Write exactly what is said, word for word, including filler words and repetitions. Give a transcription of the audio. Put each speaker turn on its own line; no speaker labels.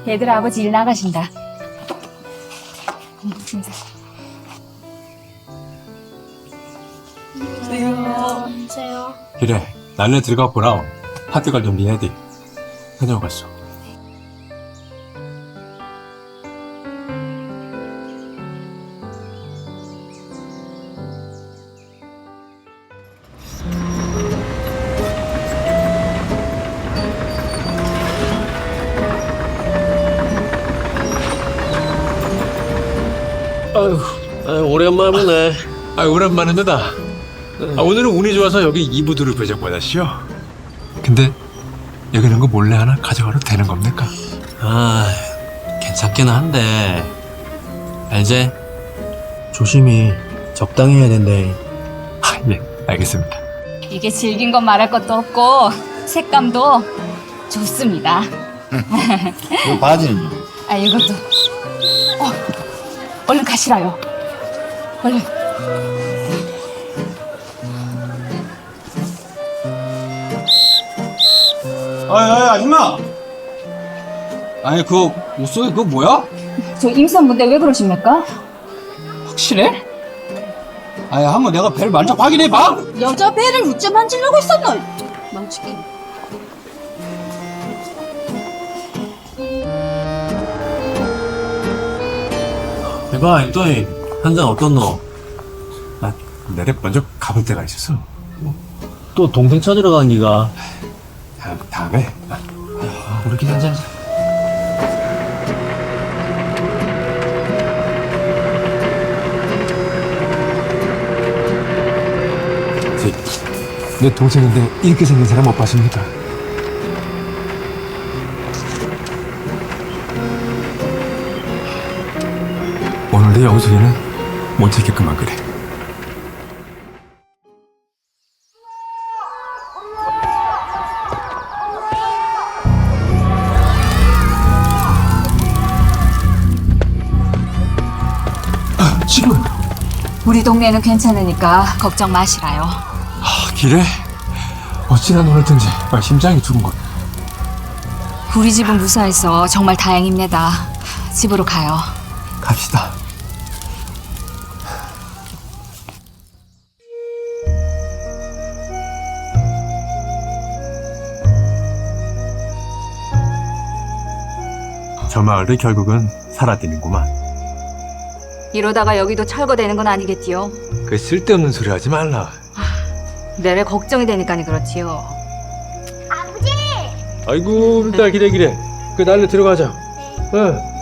얘들아, 아버지 일 나가신다.
안녕하세요.
그래, 날래 들어가 보라. 학교 갈 준비해야 돼. 다녀오겠어.
아유, 아유 오랜만에 보네.
아, 오랜만입니다. 아, 오늘은 운이 좋아서 여기 이부두를 배정받았시오. 근데 여기는 거 몰래 하나 가져가도 되는 겁니까?
아, 괜찮긴 한데 알제? 조심히 적당히 해야 된대.
아, 예, 알겠습니다.
이게 질긴 건 말할 것도 없고 색감도 좋습니다.
이 바지는요?
아, 이것도. 어, 얼른 가시라요. 얼른.
아이, 아이, 아줌마! 아니, 그거, 옷 속에 그거 뭐야?
저 임산부인데 왜 그러십니까?
확실해? 아니, 한번 내가 배를 만져 확인해봐!
여자 배를 우째 만지려고 했었노? 망치기.
해봐, 또이 한잔 어떻노?
아, 내래 먼저 가볼 때가 있어서.
또 동생 찾으러 간 기가.
다음, 다음에. 아,
우리끼리 한잔.
제, 내 동생인데 이렇게 생긴 사람 못 봤습니까? 오늘의 영숙이는 못 찾겠구만 그래. 아, 지금
우리 동네는 괜찮으니까 걱정 마시라요.
아, 길에 어찌나 놀았던지 아, 심장이 두근 것.
우리 집은 무사해서 정말 다행입니다. 집으로 가요.
갑시다. 저 마을도 결국은 살아드는구만.
이러다가 여기도 철거되는 건 아니겠지요?
그 쓸데없는 소리 하지 말라.
내래 걱정이 되니까니 그렇지요.
아이고, 일단 기래 기래. 그 날로 들어가자. 응.